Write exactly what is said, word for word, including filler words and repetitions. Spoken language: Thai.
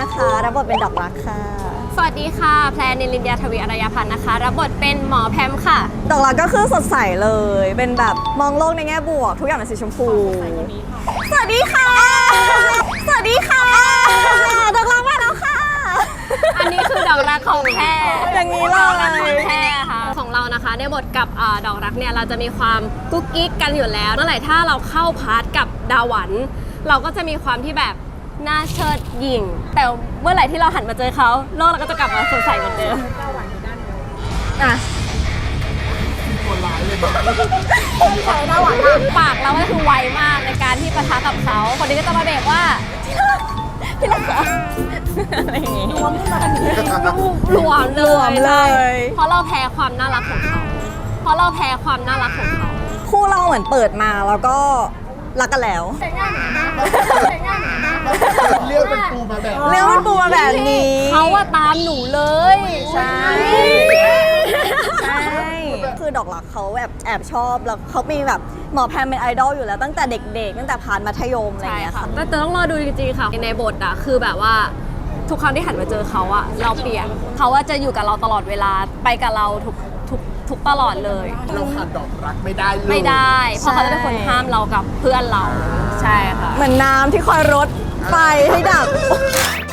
นะคะรับบทเป็นดอกรักค่ะสวัสดีค่ะแพรนิลินยาทวีอารยพันธ์นะคะรับบทเป็นหมอแพมค่ะดอกรักก็คือสดใสเลยเป็นแบบมองโลกในแง่บวกทุกอย่างเป็นสีชมพูสวัสดีค่ะสวัสดีค่ะดอกรักมาแล้วค่ะอันนี้คือดอกรักของแพรอย่างนี้เลยของแพรค่ะของเรานะคะในบทกับดอกรักเนี่ยเราจะมีความกุ๊กกิ๊กกันอยู่แล้วเมื่อไหร่ถ้าเราเข้าพาร์ทกับดาหวันเราก็จะมีความที่แบบน่าเชิดหยิ่งแต่เมื่อไหร่ที่เราหันมาเจอเขาโลกเราก็จะกลับมาสดใสเหมือนเดิมอ่ะคนร้ายเลยใช่ดาหวันปากเราก็คือไวมากในการที่ปะทะกับเขาคนนี้ก็จะมาเบรกว่าที่รักอะไรอย่างงี้รวมขึ้นมากันรวมเลยรวมเลยเพราะเราแพ้ความน่ารักของเขาเพราะเราแพ้ความน่ารักของเขาคู่เราเหมือนเปิดมาแล้วก็รักกันแล้วเรียกเป็นปูมาแบบเรียกเป็นปูมาแบบนี้เขาว่าตามหนูเลยใช่ใช่คือดอกรักเขาแบบแอบชอบแล้วเขามีแบบหมอแพมเป็นไอดอลอยู่แล้วตั้งแต่เด็กๆตั้งแต่ผ่านมัธยมอะไรอย่างเงี้ยค่ะแต่ต้องรอดูจริงๆค่ะในบทอะคือแบบว่าทุกครั้งที่หันมาเจอเขาอะเราเปลี่ยนเขาว่าจะอยู่กับเราตลอดเวลาไปกับเราทุกทุกทุกตลอดเลยเราขาดดอกรักไม่ได้เลยไม่ได้เพราะเขาจะเป็นคนห้ามเรากับเพื่อนเราใช่ค่ะเหมือนน้ำที่คอยรดไฟให้ดับ